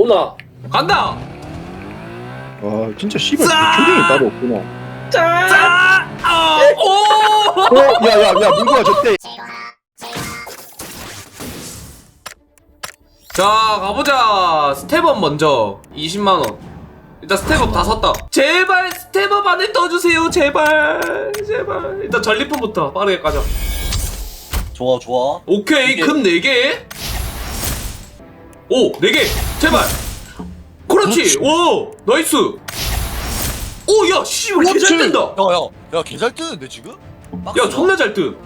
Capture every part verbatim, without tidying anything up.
오나 간다. 아 진짜 씨발 짜! 조경이 따로 없구나. 짜! 짜! 아, 오! 어? 야야야 문구가 줬대. 자 가보자. 스텝업 먼저 이십만 원. 일단 스텝업 다 샀다. 제발 스텝업 안에 떠주세요. 제발 제발. 일단 전리품부터 빠르게 가자. 좋아 좋아. 오케이 이게- 금 네 개. 오 네 개 제발. 그렇지. 그렇지. 오 나이스. 오야 씨발 개잘 뜬다. 야야 야 개 잘 뜨는데 지금? 야 존나 잘 뜸.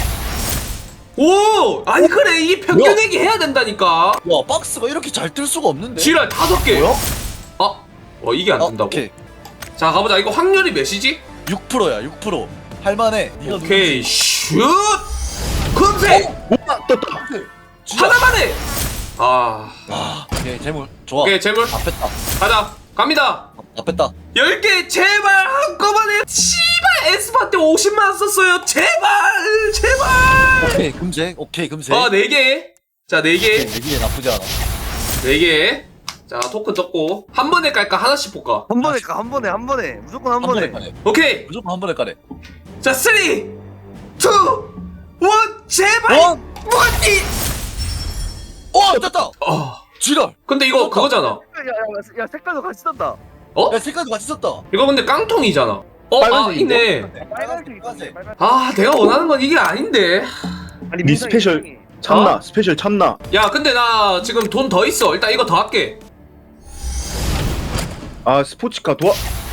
오 아니 그래 이 평균액이 해야 된다니까. 야 박스가 이렇게 잘 뜰 수가 없는데. 지랄 다섯 개. 뭐야? 아, 어 이게 안 아, 된다고? 오케이. 자 가보자. 이거 확률이 몇이지? 육 퍼센트야 육 퍼센트. 할만해. 네가 오케이 누구지? 슛. 금색 와 떴다. 진짜. 하나만 해. 아, 아 오케이 재물 좋아. 오케이 재물 다 뺐다. 가자. 갑니다. 다 뺐다. 열 개 제발 한꺼번에. 씨발 에스파 때 오십만 원 썼어요. 제발 제발. 오케이 금색. 오케이 금색. 어 네 개. 자 네 개. 내기에 나쁘지 않아. 네 개. 자 토큰 떴고 한 번에 깔까 하나씩 볼까? 한 번에 가, 한 번에, 한 번에. 무조건 한, 한 번에 번에. 까네. 오케이. 무조건 한 번에 까네. 자 쓰리, 투, 원 제발. 원. 뭐니? 어 떴다. 어. 지랄. 근데 이거 떴다. 그거잖아. 야, 야, 야, 색깔도 같이 떴다. 어? 야 색깔도 같이 썼다. 이거 근데 깡통이잖아. 어, 아 빨간색인데? 있네. 빨간색 있어. 빨간색. 빨간색. 아 내가 원하는 건 이게 아닌데. 아니, 니 민성이, 스페셜. 민성이. 참나 어? 스페셜 참나. 야 근데 나 지금 돈 더 있어. 일단 이거 더 할게. 아 스포츠카 도와.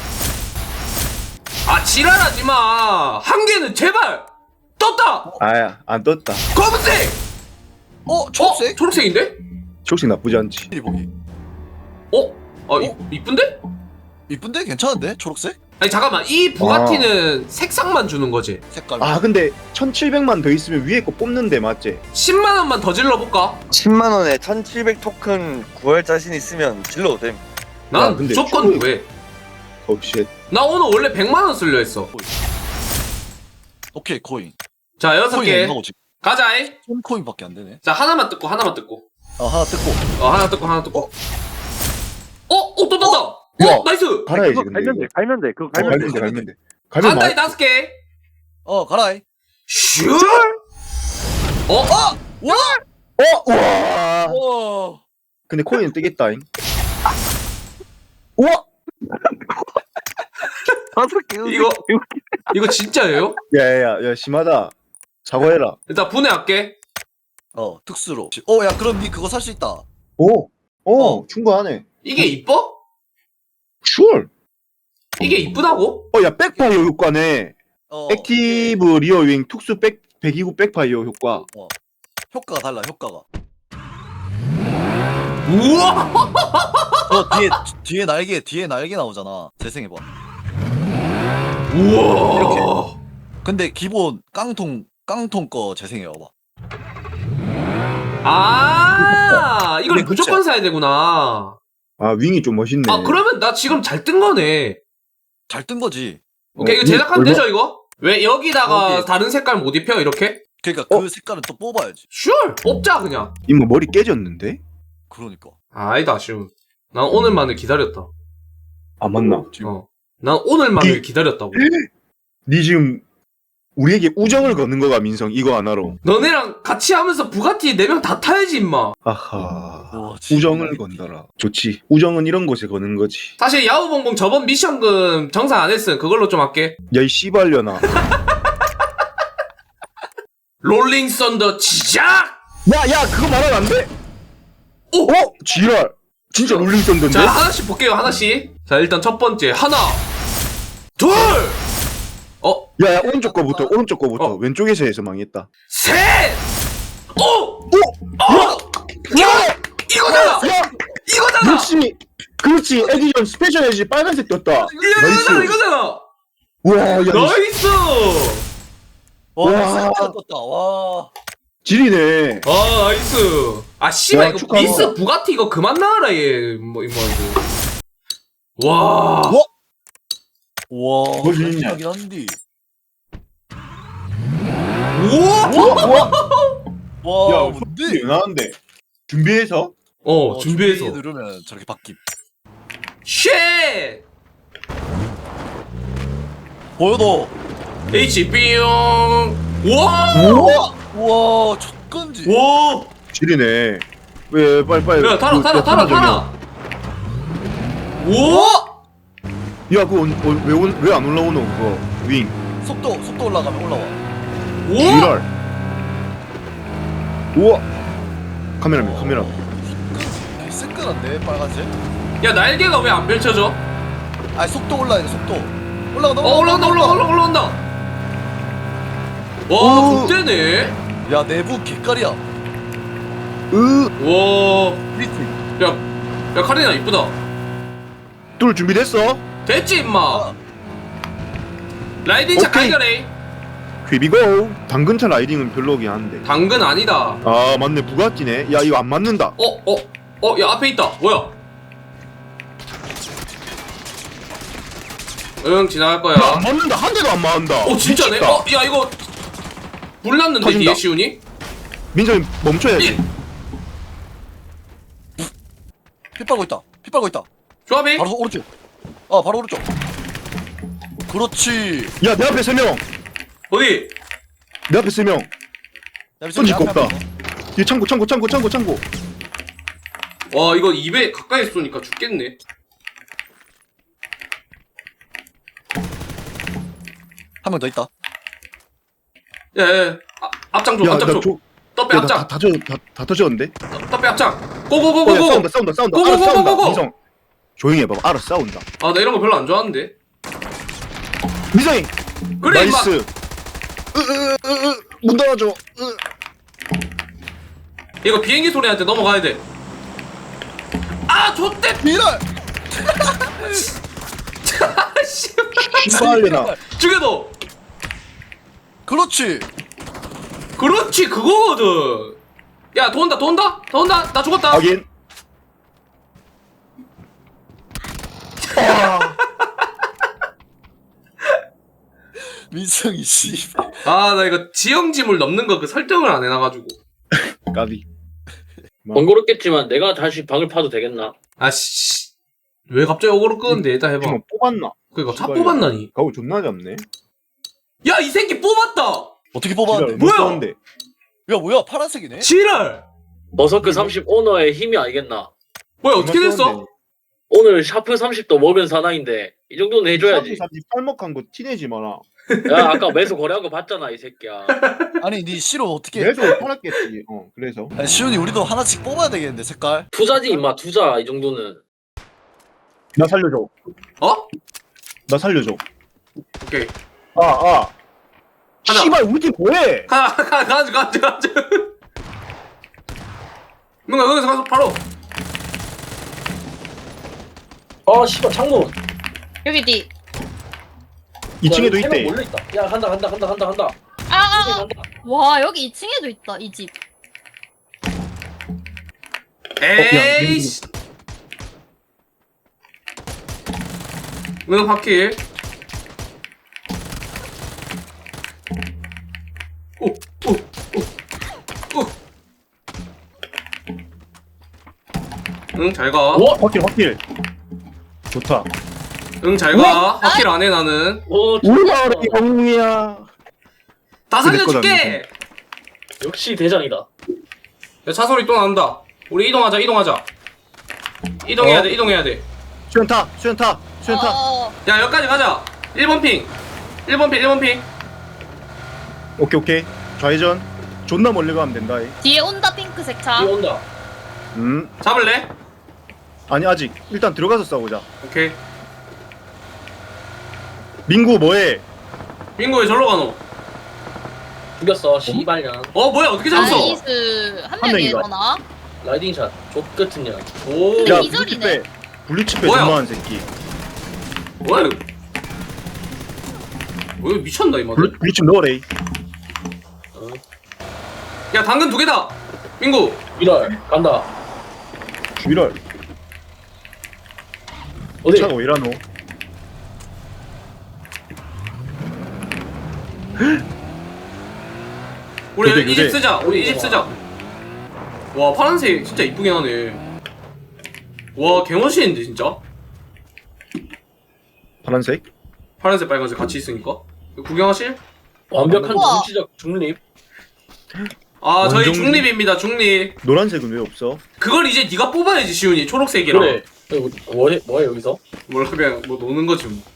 아 지랄하지 마. 한 개는 제발. 떴다. 아야 안 떴다. 검은색. 어 어? 초록색? 초록색인데? 초록색 나쁘지 않지. 이 보기. 어? 아 이, 어? 이쁜데? 이쁜데 괜찮은데 초록색? 아니 잠깐만 이 부가티는 색상만 주는 거지. 색깔. 아 근데 천칠백만 더 있으면 위에 거 뽑는데 맞지? 십만 원만 더 질러볼까? 십만 원에 천칠백 토큰 구할 자신 있으면 질러도 됨. 난 야, 근데 무조건 초록- 왜? 옵쉣. 나 오늘 원래 백만 원 쓸려 했어. 오케이 코인. 자 여섯 코인 개 얼마고 지금? 가자이. 천 코인밖에 안 되네. 자 하나만 뜯고 하나만 뜯고. 아 하나 뜯고. 어 하나 뜯고 하나 뜯고. 어? 어 또 떴다. 어, 야. 나이스. 갈아야지 그거 근데 갈면 돼, 이거. 갈면 돼. 그거 어, 갈면 갈면 돼. 돼 갈면 돼. 갈면 간다이 마. 다섯 개. 어 가라이. 슛. 어? 와. 어 와. 와. 근데 코인 뜨겠다잉. 우와. 다섯 개. 이거 이거 진짜예요? 야야야 야, 심하다. 사과해라. 일단 분해할게. 어 특수로. 어야 그럼 니 그거 살 수 있다. 오. 오 어. 충분하네. 이게 이뻐? 슈얼. 이게 이쁘다고? 어야 백파이어 효과네. 어. 액티브 리어 윙 특수 백 백이구 백파이어 효과. 어. 효과가 달라 효과가. 우와. 어 뒤에 뒤에 날개 뒤에 날개 나오잖아. 재생해봐. 우와. 이렇게. 근데 기본 깡통 깡통 거 재생해봐. 아 이걸 근데 무조건 사야 되구나. 아 윙이 좀 멋있네. 아 그러면 나 지금 잘 뜬 거네. 잘 뜬 거지. 오케이 어, 이거 제작하면 얼마- 되죠 이거? 왜 여기다가 여기. 다른 색깔 못 입혀 이렇게? 그러니까 어? 그 색깔은 또 뽑아야지. 슈얼 뽑자 그냥. 이모 머리 깨졌는데? 그러니까. 아, 아니다 아쉬움. 난 오늘만을 기다렸다. 아 맞나? 지금 어. 난 오늘만을 이- 기다렸다고. 니 지금 우리에게 우정을 거는 거가 민성 이거 하나로. 너네랑 같이 하면서 부가티 네 명 다 타야지 임마. 아하. 와, 진짜. 우정을 건다라. 좋지. 우정은 이런 곳에 거는 거지. 사실 야구봉봉 저번 미션금 정산 안 했음. 그걸로 좀 할게. 야이 씨발려나. 롤링 썬더 시작! 야야 그거 말하면 안 돼. 오! 어? 지랄. 진짜 롤링 썬던데? 자 하나씩 볼게요 하나씩. 자 일단 첫 번째 하나 둘 어? 야야 오른쪽 거부터 오른쪽 거부터 어. 왼쪽에서 해서 망했다. 셋! 오! 어! 이거! 이거잖아! 야 이거잖아! 역시 그렇지 에디션 스페셜 에디 빨간색 떴다. 이거, 이거잖아 이거잖아! 와 야 나이스! 와, 와. 색깔 떴다. 와. 지리네. 아 나이스. 아 씨발 와, 이거 축하한다. 미스 부가티 이거 그만 나와라 얘뭐 이거 이거. 와. 와. 와. 뭐 재밌냐? 하긴 한디. 우와! 와, 와. 와. 야 뭔데? 나는데 준비해서 어, 어, 준비해서. 준비 누르면 저렇게 바뀜. 쉣! 보여도. H 뿅. 와! 우와. 우와 족건지. 와! 지리네. 왜 빨리 빨리. 야, 타라, 그, 타라, 그, 타라, 저기요. 타라. 오! 야 그거 왜왜 안 올라오노 그거 윙. 속도 속도 올라가면 올라와. 오! 지랄. 우와. 카메라맨 카메라. 새끈한데 빨간색. 야, 날개가 왜 안 펼쳐져? 아 속도 올라야 돼 속도. 올라간다 어, 올라온다, 올라온다, 올라온다, 올라온다. 와, 오. 좋대네. 야 내부 개깔이야. 으. 와. 리트. 야, 야, 카리나 이쁘다. 뚫 준비됐어? 됐지, 임마. 아, 라이딩 차 오케이. 가이가래. 휘비고. 당근차 라이딩은 별로긴 한데. 당근 아니다. 아 맞네 부가티네. 야 이거 안 맞는다. 어, 어, 어, 야, 앞에 있다. 뭐야? 응, 지나갈 거야. 야, 안 맞는다. 한 대도 안 맞는다. 어, 진짜네? 미쳤다. 어, 야, 이거. 불났는데, 터진다. 뒤에 시훈이? 민정이 멈춰야지. 일. 피 빨고 있다. 피 빨고 있다. 조합이? 바로 오른쪽. 아 바로 오른쪽. 그렇지. 야 내 앞에 세 명. 어디? 내 앞에 세 명. 야, 손질 앞에, 꼽다. 앞에. 뒤에 창고 창고 창고 창고 창고. 와, 이거 입에 가까이 쏘니까 죽겠네. 한 명 더 있다. 야, 야, 야. 아, 앞장 줘, 야, 앞장 나 줘. 조, 떡배 야, 나 앞장. 다, 다, 져, 다, 다 터졌는데? 떡배 앞장. 어, 야, 고고고고고. 싸운다, 싸운다, 싸운다. 고고, 알아, 고고, 싸운다. 고고. 미성. 조용히 해봐. 알아, 싸운다. 아, 나 이런 거 별로 안 좋아하는데. 미성이! 그래, 임마. 나이스. 으, 으, 으, 으, 문 닫아줘. 으. 이거 비행기 소리한테 넘어가야 돼. 아, 좆대. 미랄. 씨. 씨발려나. 죽여도. 그렇지. 그렇지, 그거거든. 야, 더 온다, 더 온다, 더 온다. 나 죽었다. 확인. 민성이 씨. 아, 나 이거 지형지물 넘는 거 그 설정을 안 해놔가지고. 까비. 번거롭겠지만 내가 다시 방을 파도 되겠나? 아씨. 왜 갑자기 오거로 끄는데? 일단 해봐. 지금 뽑았나? 그니까 차 씨발려. 뽑았나니? 가오 존나 잡네. 야, 이 새끼 뽑았다! 어떻게 뽑았는데? 뭐야? 뭐야? 야 뭐야 파란색이네? 지랄! 버서크 삼십 오너의 힘이 알겠나? 뭐야, 어떻게 됐어? 오늘 샤프 삼십도 먹은 사나인데 이 정도는 해줘야지. 팔먹한 거 티내지 마라. 야 아까 매수 거래한 거 봤잖아 이 새끼야. 아니 니 시로 어떻게? 계속 팔았겠지. 어, 그래서. 아니, 시훈이 우리도 하나씩 뽑아야 되겠는데 색깔. 투자지 임마 투자 이 정도는. 나 살려줘. 어? 나 살려줘. 오케이. 아, 아. 하나. 씨발, 우리 팀 뭐해? 가, 가, 가, 가자, 가자, 가자. 뭔가 여기서 가서 바로. 아 씨발 창문. 여기 뒤. 이 층에도 야, 있대. 몰려 있다. 야 간다 간다 간다 간다 간다. 아, 아, 아. 간다. 와, 여기 이 층에도 있다, 이 집. 에이씨. 은호 바퀴. 오, 오, 오, 오. 응, 잘 가. 오, 확킬, 확킬. 좋다. 응, 잘 가. 바퀴를 안 해, 나는. 오 우리 좋다. 마을의 영웅이야. 다 그래, 거다, 살려줄게! 역시 대장이다. 야, 차 소리 또 난다. 우리 이동하자, 이동하자. 이동해야 어? 돼, 이동해야 돼. 수연 타, 수연 타, 수연 타. 어, 야, 여기까지 가자. 일 번 핑. 일 번 핑, 일 번 핑. 오케이, 오케이. 좌회전. 존나 멀리 가면 된다. 이. 뒤에 온다, 핑크색 차. 뒤에 온다. 음, 잡을래? 아니 아직. 일단 들어가서 싸우자. 오케이. 민구 뭐해? 민구 왜 절로 가노? 죽였어 씨발년. 어, 뭐야, 어떻게 잡았어? 나이스. 한 한 명이 명인가? 일어나. 라이딩샷 족같은 년. 오, 근데 야, 기절이네. 블리치 빼. 블리치 빼. 뭐야? 존나한 새끼. 뭐야, 이거. 뭐, 이거 미쳤나, 이 블, 마들? 블리치 넣어래. 어. 야, 당근 두 개다! 민구! 미랄 간다. 주일월. 어디? 차가 왜 이러노? 우리 교대, 이 집 교대. 쓰자, 우리 이 집 쓰자. 와, 파란색 진짜 이쁘긴 하네. 와 개멋있는데 진짜. 파란색. 파란색 빨간색 같이 있으니까. 구경하실? 완벽한 우와. 정치적 중립. 아 저희 원정지. 중립입니다 중립. 노란색은 왜 없어? 그걸 이제 네가 뽑아야지 시훈이. 초록색이랑. 그래. 뭐해 뭐해 여기서? 몰라 그냥 뭐 노는 거지 뭐.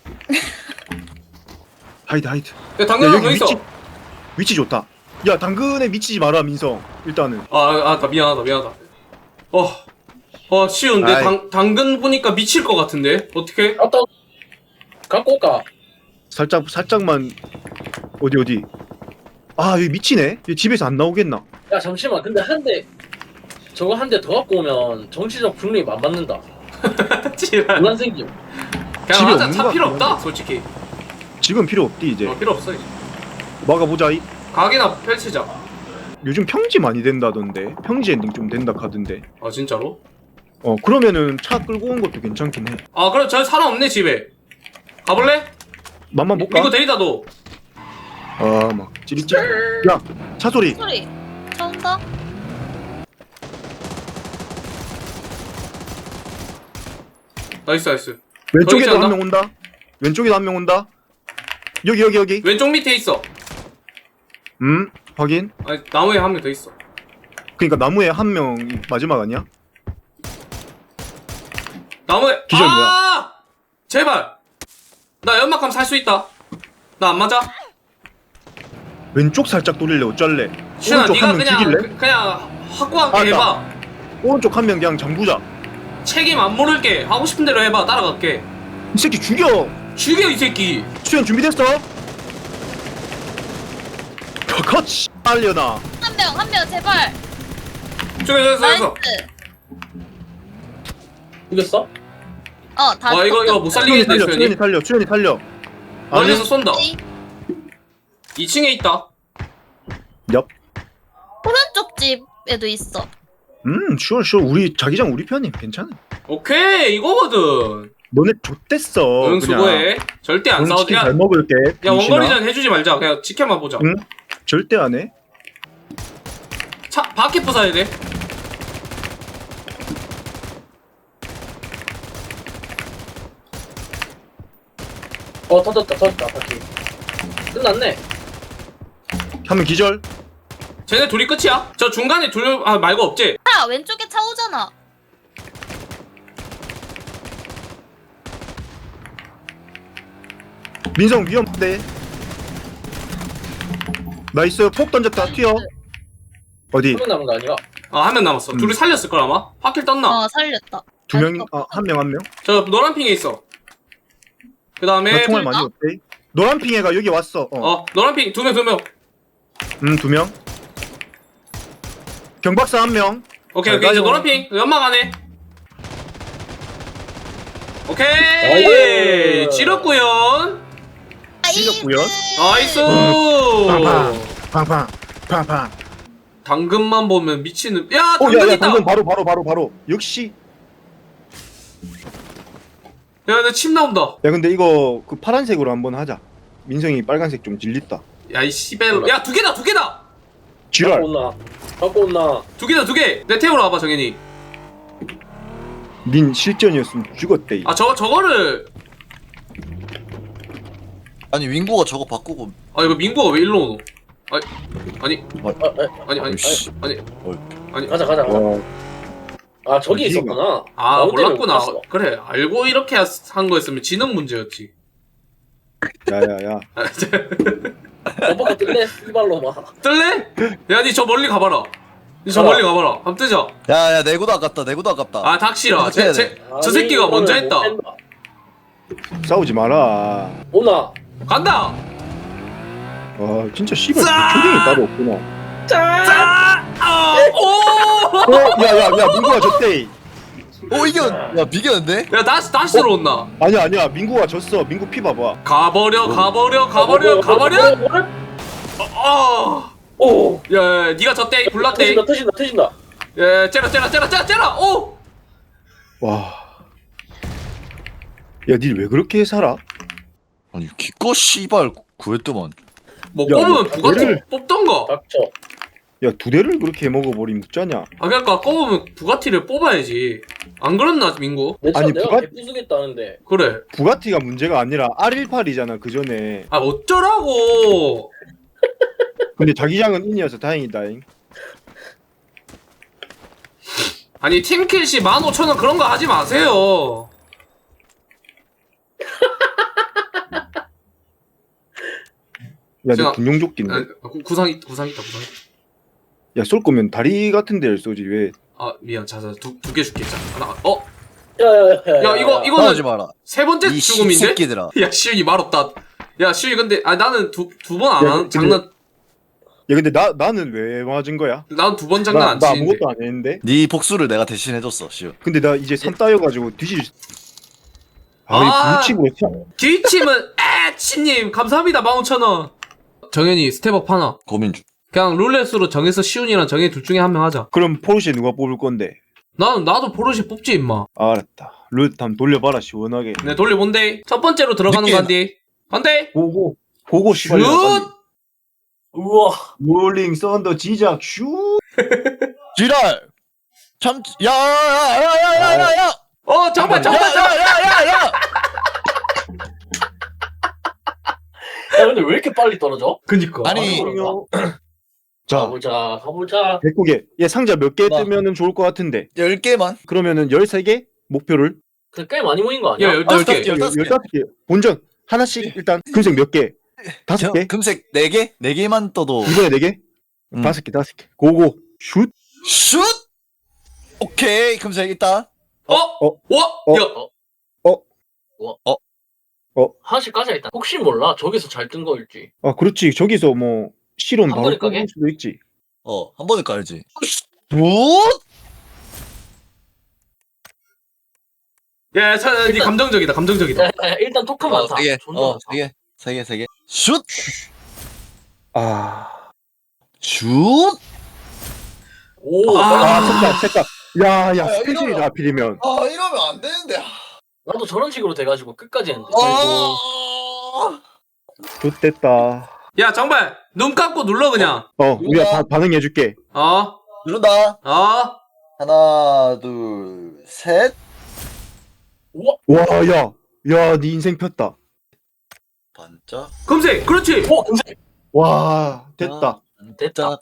하이드 하이드. 야 야, 당근 여기 거 있어. 위치 위치 좋다. 야 당근에 미치지 마라 민성. 일단은. 아아나 미안하다 미안하다. 어. 어 시훈 내 아이. 당 당근 보니까 미칠 것 같은데 어떻게? 갔다 갖고 올까? 살짝 살짝만 어디 어디. 아 여기 미치네. 얘 집에서 안 나오겠나? 야 잠시만. 근데 한 대 저거 한 대 더 갖고 오면 정치적 중립 안 받는다. 지랄. 논란 생김. 집에 그냥 하자. 없는 차 거 필요 같긴 없다 솔직히. 지금 필요 없디 이제. 어 필요 없어 이제. 막아보자. 이. 가게나 펼치자. 요즘 평지 많이 된다던데. 평지 엔딩 좀 된다 카던데. 아 진짜로? 어 그러면은 차 끌고 온 것도 괜찮긴 해. 아 그럼 저 사람 없네 집에. 가볼래? 맘만 볼까? 이거 데리다 도. 아막 찌릿찌릿. 야차 소리. 소리. 차 온다. 나이스 나이스. 왼쪽에도 않나? 한 명 온다. 왼쪽에도 한 명 온다. 여기 여기 여기. 왼쪽 밑에 있어. 음 확인. 아니 나무에 한 명 더 있어. 그러니까 나무에 한 명 마지막 아니야? 나무에. 기절 뭐야? 아! 제발. 나 연막하면 살 수 있다. 나 안 맞아? 왼쪽 살짝 돌릴래 어쩔래? 시현아 오른쪽 네가 한 명 그냥 죽일래? 그- 그냥 확고하게 아, 해봐. 오른쪽 한 명 그냥 잠그자. 책임 안 물을게. 하고 싶은 대로 해봐. 따라갈게. 이 새끼 죽여. 죽여 이 새끼. 수현 준비됐어? 컷 빨려나. 한 명, 한 명, 제발. 죽여 죽여 나이스. 죽여. 이겼어? 어, 다. 와 이거 이거 못 수현이 살리겠네 살려. 수현이. 수현이 살려. 수현이 살려. 멀리서 쏜다. 떴지? 이 층에 있다. 엽. 오른쪽 집에도 있어. 음 슈어 슈어 우리 자기장 우리 편이 괜찮아. 오케이 이거거든. 너네 좆됐어. 응 수고해. 절대 안 오늘 싸우지. 치킨 야, 잘 먹을게. 야 병신아. 원거리전 해주지 말자. 그냥 지켜만 보자. 응? 절대 안 해. 차 바퀴 부숴야 돼. 어 터졌다 터졌다 바퀴. 끝났네. 한 명 기절. 쟤네 둘이 끝이야. 저 중간에 둘 아 말고 없지. 차, 왼쪽에 차 오잖아. 민성 위험한데. 나이스 폭 던졌다 튀어. 어디? 한 명 남은 거 아니야? 아 한 명 남았어. 음. 둘이 살렸을 걸 아마. 바퀴 떴나? 어, 살렸다. 두 명이 아한 명 한 명. 저 노란 핑에 있어. 그 다음에 나 총알 둘 많이 다? 없대. 노란 핑애가 여기 왔어. 어. 어 노란 핑 두 명 두 명. 음 두 명. 경박사 한 명. 오케이 잘 오케이 이제 가요. 노란 핑 연막 안에. 오케이 나이스. 찌렸구연. 찔렸구요. 나이스. 팡팡 팡팡 팡팡. 당근만 보면 미치는. 야 당근 오야야 있다. 방금 바로 바로 바로 바로. 역시. 야 내 침 나온다. 야 근데 이거 그 파란색으로 한번 하자. 민성이 빨간색 좀 질렸다. 야 이 씨벨. 야두 개다 두 개다. 지랄. 갖고 온나? 갖고 온나? 두 개다 두 개. 내 태우러 와봐 정현이. 닌 실전이었으면 죽었대. 이. 아 저거 저거를. 아니 윙고가 저거 바꾸고 아 이거 민구가 왜 일로 오노? 아니 아니 아, 아, 아니 아니 아이씨. 아니 아니 가자 가자 가자. 와. 아 저기 어디가? 있었구나. 아 나 혼자 몰랐구나. 못 봤어. 그래 알고 이렇게 한 거였으면 지능 문제였지. 야야야. 오빠가 뜰래? 씨발로 막. 뜰래? 야 니 저 멀리 가봐라. 니 저 가라. 멀리 가봐라. 한번 뜨자. 야야 내고도 아깝다 내고도 아깝다. 아 닥치라. 어떻게 해야 제, 돼? 제, 저 새끼가 아니, 먼저 이거를 했다. 못 뺀다. 싸우지 마라. 오나. 간다. 와 진짜 씨발 짜! 초딩이 따로 없구나. 자. 아, 오. 어? 야야야 민구가 졌대. 오 이겨 야 비겼는데? 야 다시 다시 들어온다. 아니야 아니야 민구가 졌어. 민구 피 봐봐. 가버려 가버려 가버려 가버려. 아. 오. 야, 야 니가 졌대. 불났대. 터진다 터진다 터진다. 야 째라 째라 째라 째라 째라. 오. 와. 야 니 왜 그렇게 살아? 아니 기껏 씨발 구했더만. 뭐 야, 뽑으면 야, 누가 얘를- 뽑- 뽑던가. 닥쳐. 야 두 대를 그렇게 먹어버리면 어쩌냐. 아 그러니까 꼽으면 부가티를 뽑아야지. 안 그렇나 민구? 내 차 아니, 내가 부가- 개부수겠다는데. 그래. 부가티가 문제가 아니라 알 십팔이잖아 그 전에. 아 어쩌라고. 근데 자기장은 인이어서 다행이다잉. 아니 팀킬시 만 오천 원 그런 거 하지 마세요. 야, 제가- 너 군용조끼인데. 아, 구- 구상 있 구상 있다 구상. 있다. 야, 쏠 거면 다리 같은 데를 쏘지 왜? 아 미안 자자 두두 개 줄게 자 하나 어? 야야야. 야 이거 하지 이거는 마라. 세 번째 이 죽음인데? 새끼들아. 야 시윤이 말없다. 야 시윤이 근데 아 나는 두 두 번 안 야, 하는 근데- 장난. 야, 근데 나 나는 왜 맞은 거야? 난 두 번 장난 나, 안 나 치는데. 아무것도 안 했는데. 네 복수를 내가 대신 해줬어, 시우. 근데 나 이제 삼 따여가지고 뒤질. 아. 아, 불치고 참. 뒤침은 에치님 감사합니다 만 오천 원. 정현이 스텝업 하나. 고민 중. 그냥 룰렛으로 정해서 시윤이랑 정해 둘 중에 한 명 하자. 그럼 포르쉐 누가 뽑을 건데? 나는 나도 포르쉐 뽑지 임마. 알았다. 룰 한번 돌려봐라 시원하게. 네 돌려본데 첫 번째로 들어가는 느낌. 거 한디. 한대. 고고. 고고 씨발. 슛. 우와. 롤링 썬더 지작 슈. 지랄! 참, 야, 야, 야, 야, 야, 야, 야! 어 정말 정말 야, 정말. 야, 야, 야, 야! 야 근데 왜 이렇게 빨리 떨어져? 그니까. 아니, 자, 가보자 가보자. 백국에 얘 상자 몇 개 나. 뜨면은 좋을 것 같은데. 열 개만. 그러면은 열세 개 목표를. 근데 꽤 많이 모인 거 아니야? 야 열다섯 개. 열다섯 개. 열다섯 개. 열다섯 개. 본전 하나씩 일단 금색 몇 개? 다섯 개? 금색 네 개? 네 개만 떠도. 이번에 네 개? 음. 다섯 개, 다섯 개. 고고. 슛. 슛! 오케이, 금색 일단. 어? 어? 와? 어? 야. 하나씩 까자 일단. 혹시 몰라 저기서 잘 뜬 거일지. 아, 그렇지. 저기서 뭐 실온 한 바로 번에 까게? 끊을 수도 있지. 어, 한 번에 깔지. 슛! 야, 차, 니 일단- 감정적이다, 감정적이다. 야, 야, 일단 토큰 어, 많다. 세 개. 존나 어, 많다. 세 개. 세 개, 세 개. 슛! 아. 슛! 오. 아. 아, 색깔, 색깔. 야, 야, 아, 스페셜이 이거는- 하필이면. 아, 이러면 안 되는데. 나도 저런 식으로 돼가지고 끝까지 했는데. 아! 좋됐다. 야, 정말, 눈 감고 눌러, 그냥. 어, 우리가 다 반응해줄게. 어? 누른다. 어? 하나, 둘, 셋. 우와. 와, 야. 야, 네 인생 폈다. 반짝. 금색, 그렇지. 오 금색. 와, 됐다. 됐다.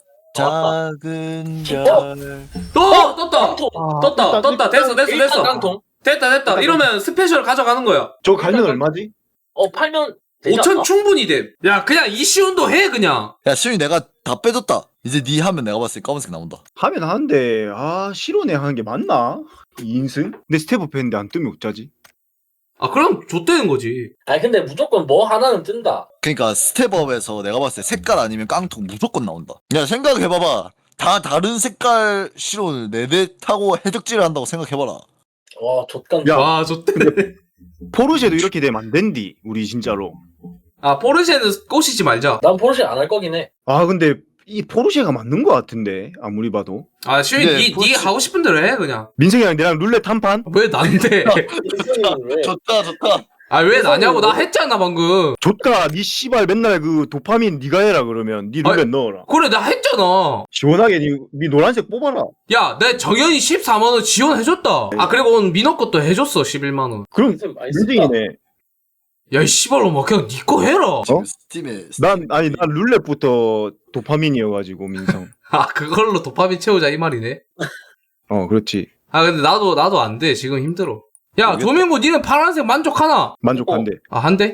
작은 별. 또, 떴다. 깡통. 아, 떴다, 일단- 떴다. 됐어, 됐어, 일단 됐어. 깡통. 됐다, 됐다. 이러면 스페셜 가져가는 거야. 저 갈면 얼마지? 어 팔면 되지 오천 않나? 충분히 돼. 야, 그냥 이시운도 해, 그냥. 야, 시윤이 내가 다 빼줬다. 이제 네 하면 내가 봤을 때 검은색 나온다. 하면 하는데, 아, 실온에 하는 게 맞나? 이 인승? 근데 스텝업 했는데 안 뜨면 어쩌지? 아, 그럼 좆되는 거지. 아니 근데 무조건 뭐 하나는 뜬다. 그러니까 스텝업에서 내가 봤을 때 색깔 아니면 깡통 무조건 나온다. 야, 생각해봐봐. 다 다른 색깔 실온을 네 대 타고 해적질을 한다고 생각해봐라. 와 좆간. 야. 와, 좆되네. 포르쉐도 이렇게 되면 안 된디, 우리 진짜로. 아, 포르쉐는 꼬시지 말자. 난 포르쉐 안 할 거긴 해. 아, 근데 이 포르쉐가 맞는 것 같은데, 아무리 봐도. 아, 시윤이, 근데 니, 니 포르쉐- 하고 싶은 대로 해, 그냥. 민성이랑 내랑 룰렛 한 판? 왜 난데? 인생이 왜? 좋다, 좋다. 아, 왜 나냐고. 나 했잖아, 방금. 좋다, 니 씨발 맨날 그 도파민 니가 해라 그러면 니 룰렛 넣어라. 그래, 나 했잖아. 시원하게 니, 니 노란색 뽑아라. 야, 내 정현이 십사만 원 지원해줬다. 아, 그리고 오늘 민호 것도 해줬어, 십일만 원. 그럼 인생 많이 쓴다. 민성이네. 야, 이 씨발로 막 그냥 니 거 해라. 지금 스팀에 난 아니 난 룰렛부터 도파민이어가지고 민성. 아, 그걸로 도파민 채우자, 이 말이네. 어, 그렇지. 아, 근데 나도, 나도 안 돼. 지금 힘들어. 야, 모르겠다. 조민구, 니는 파란색 만족하나? 만족한데. 아, 한 대?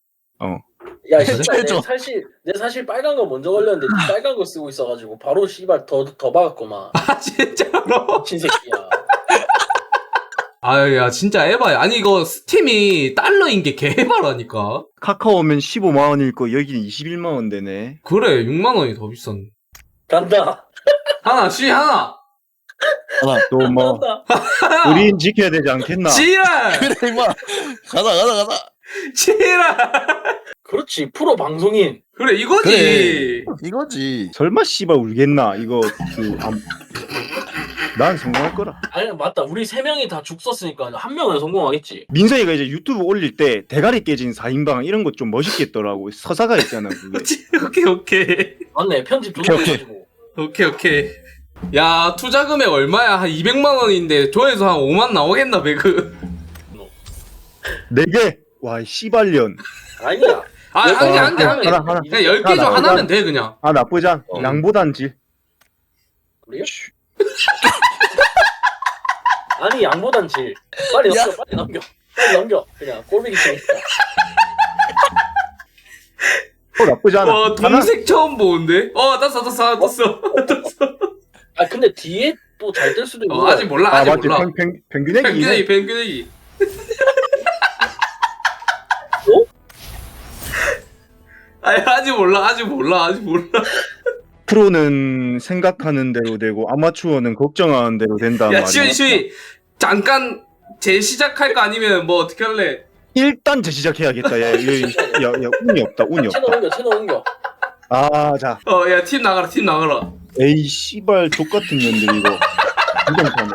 야 진짜 해줘. 내 사실 내 사실 빨간 거 먼저 걸렸는데 니 빨간 거 쓰고 있어가지고 바로 씨발 더더 박았구만. 아, 진짜로? 미친 새끼야. 아, 야, 진짜 에바야. 아니, 이거 스팀이 달러인 게 개에바라니까. 카카오면 십오만 원일 거 여기는 이십일만 원 되네. 그래, 육만 원이 더 비싼. 간다. 하나, 씨, 하나. 하나. 또 뭐 간다. 우린 지켜야 되지 않겠나? 지랄! 그래, 임마. 가자, 가자, 가자. 지랄! 그렇지 프로 방송인. 그래, 이거지. 그래. 이거지. 설마 씨발 울겠나? 이거 그 안... 난 성공할 거라. 아니 맞다. 우리 세 명이 다 죽 썼으니까 한 명은 성공하겠지. 민성이가 이제 유튜브 올릴 때 대가리 깨진 사 인방 이런 것 좀 멋있겠더라고. 서사가 있잖아 그게. 오케이, 오케이. 맞네 편집 존나 오케이, 오케이. 해가지고. 오케이 오케이. 야 투자 금액 얼마야? 한 이백만 원인데 조회수 한 오만 나오겠나 배그? 네 개. 와, 이 씨발년. 아니야. 아 한 개 한 개 한 개. 하나, 하나. 그냥 열 개 중 하나, 하나면 하나. 돼 그냥. 아, 나쁘지 않. 어. 양보단 질. 그래요? 아니 양보단 질. 빨리 야. 넘겨 빨리 넘겨. 빨리 넘겨. 그냥 꼴보기 싫으니까. 어, 나쁘지 않아. 와 동색 처음 보는데? 어 떴어 떴어 하나 떴어. 아 근데 뒤에 또 잘 뜰 수도 있고. 어, 아직 몰라 아, 아직 맞지. 몰라. 평, 평, 평균액이. 펭귄애기 펭귄애기. 어? 아니 아직 몰라 아직 몰라 아직 몰라. 프로는 생각하는 대로 되고 아마추어는 걱정하는 대로 된다는 야 말이야. 시우이 시우이 잠깐 재시작할까 아니면 뭐 어떻게 할래? 일단 재시작해야겠다. 야, 야, 야, 야, 야, 운이 없다. 운이 채널 없다. 옮겨 채널 옮겨. 아, 자. 어 야 팀 나가라 팀 나가라. 에이, 씨발 족같은 년들 이거. 부정타네.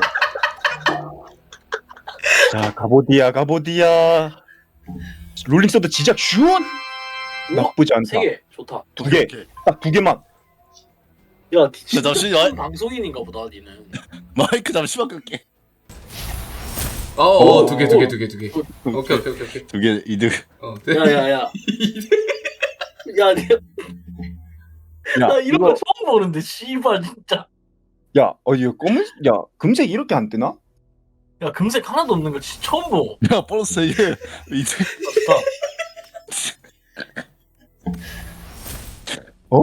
자, 가보디야, 가보디야. 롤링서드 지작 슛! 나쁘지 않다. 세 개 좋다. 두 개. 오케이. 딱 두 개만. 야 진짜 잠시- 야. 방송인인가 보다 니는. 마이크 잠시만 끌게. 어어 두 개 두 개 두 개 두 개. 오케이 오케이 오케이 오케이. 두 개 이득. 어 네. 야야야. 야, 내, 야, 나 이런 이거, 거 처음 보는데 씨발 진짜. 야, 어, 이거 검은, 야, 금색 이렇게 안 뜨나? 야 금색 하나도 없는 거 진짜 처음 보. 야 보너스 이게 이득. 어?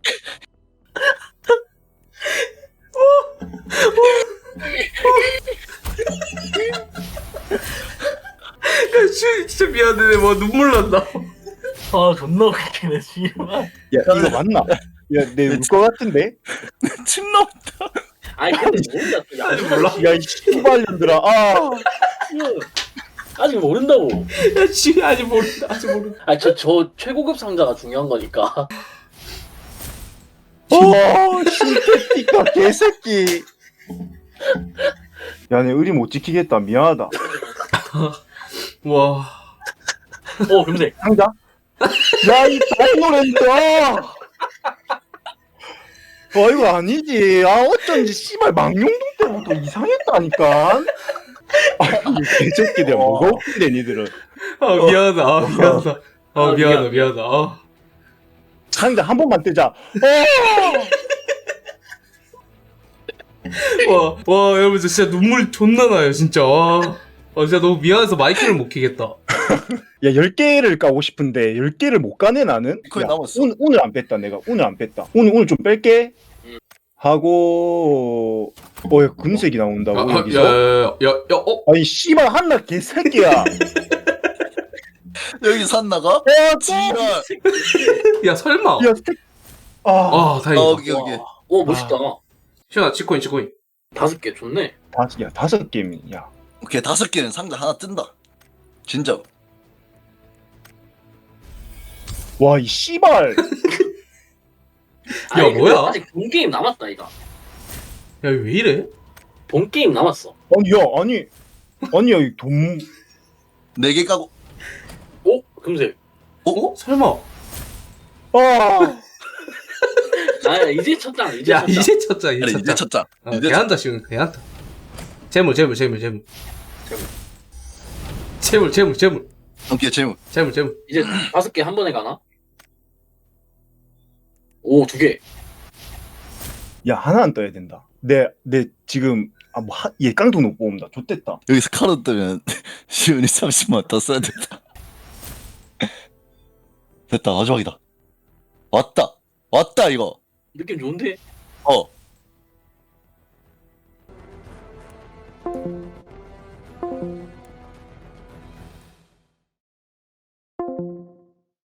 야 시우이 진짜 미안해 뭐 눈물 난다. 아 존나 웃기네 씨발. 야, 이거 맞나? 야, 내 울 것 같은데? 침 나온다. 아니 근데 모른다 또. 야, 아직 몰라. 야, 이 씨발년들아. 아. 아직 모른다고. 야 시우이 아직 모른다 아직 모른다. 아니 저, 저 최고급 상자가 중요한 거니까. 어, 신테티카 개새끼. 야, 내 의리 못 지키겠다. 미안하다. 와. 어 금색. 상자? 야, 이 다이노랜드야! 어, 이거 아니지. 아, 어쩐지, 씨발, 망룡동 때부터 이상했다니까. 아, 이 개새끼들, 뭐가 웃긴데, 니들은. 아 미안하다 아 미안하다. 아 아, 미안하다 미안. 미안하다. 아. 상자 한 번만 뜨자. 어! 와, 와, 여러분, 저 진짜 눈물 존나 나요, 진짜. 와. 아, 진짜 너무 미안해서 마이크를 못 키겠다. 야, 열 개를 까고 싶은데, 열 개를 못 까네, 나는? 거의 야, 남았어. 오늘, 오늘 안 뺐다, 내가. 오늘 안 뺐다. 오늘, 오늘 좀 뺄게. 음. 하고, 어, 야, 금색이 나온다고, 아, 아, 야, 여기서? 야, 야, 야, 야, 어? 아니, 씨발, 한나 개새끼야. 여기 산 나가? 어, 지랄. 야, 설마. 야, 스택. 아, 아, 아, 다행이다. 오케이 오케이. 오 멋있다. 시원아, 치코인, 치코인. 다섯 개 좋네. 다섯, 야, 다섯 게임이야. 오케이 다섯 개는 상자 하나 뜬다. 진짜. 와, 이 씨발. 아니, 뭐야? 근데 아직 본 게임 남았다 이거. 야, 왜 이래? 본 게임 남았어. 아니, 야, 아니. 아니, 야, 이 돈. 네 개 까고. 오 금색. 어? 설마. 아, 아 이제 첫장 이제 야, 첫장. 이제 쳤자, 이제 아니 쳤자. 이제 쳤자. 어, 이제 개한다, 시원, 개한다. 재물, 재물, 재물, 재물. 재물, 재물, 재물. 오케이 재무. 재물, 재물. 이제 다섯 개 한 번에 가나? 오 두 개. 야, 하나 안 떠야 된다. 내, 내, 지금, 아, 뭐, 하, 얘 깡통 못 뽑는다. 좋됐다. 여기서 카드 뜨면 시온이 삼십만 더 써야 된다. 됐다 마지막이다. 왔다 왔다 이거. 느낌 좋은데? 어.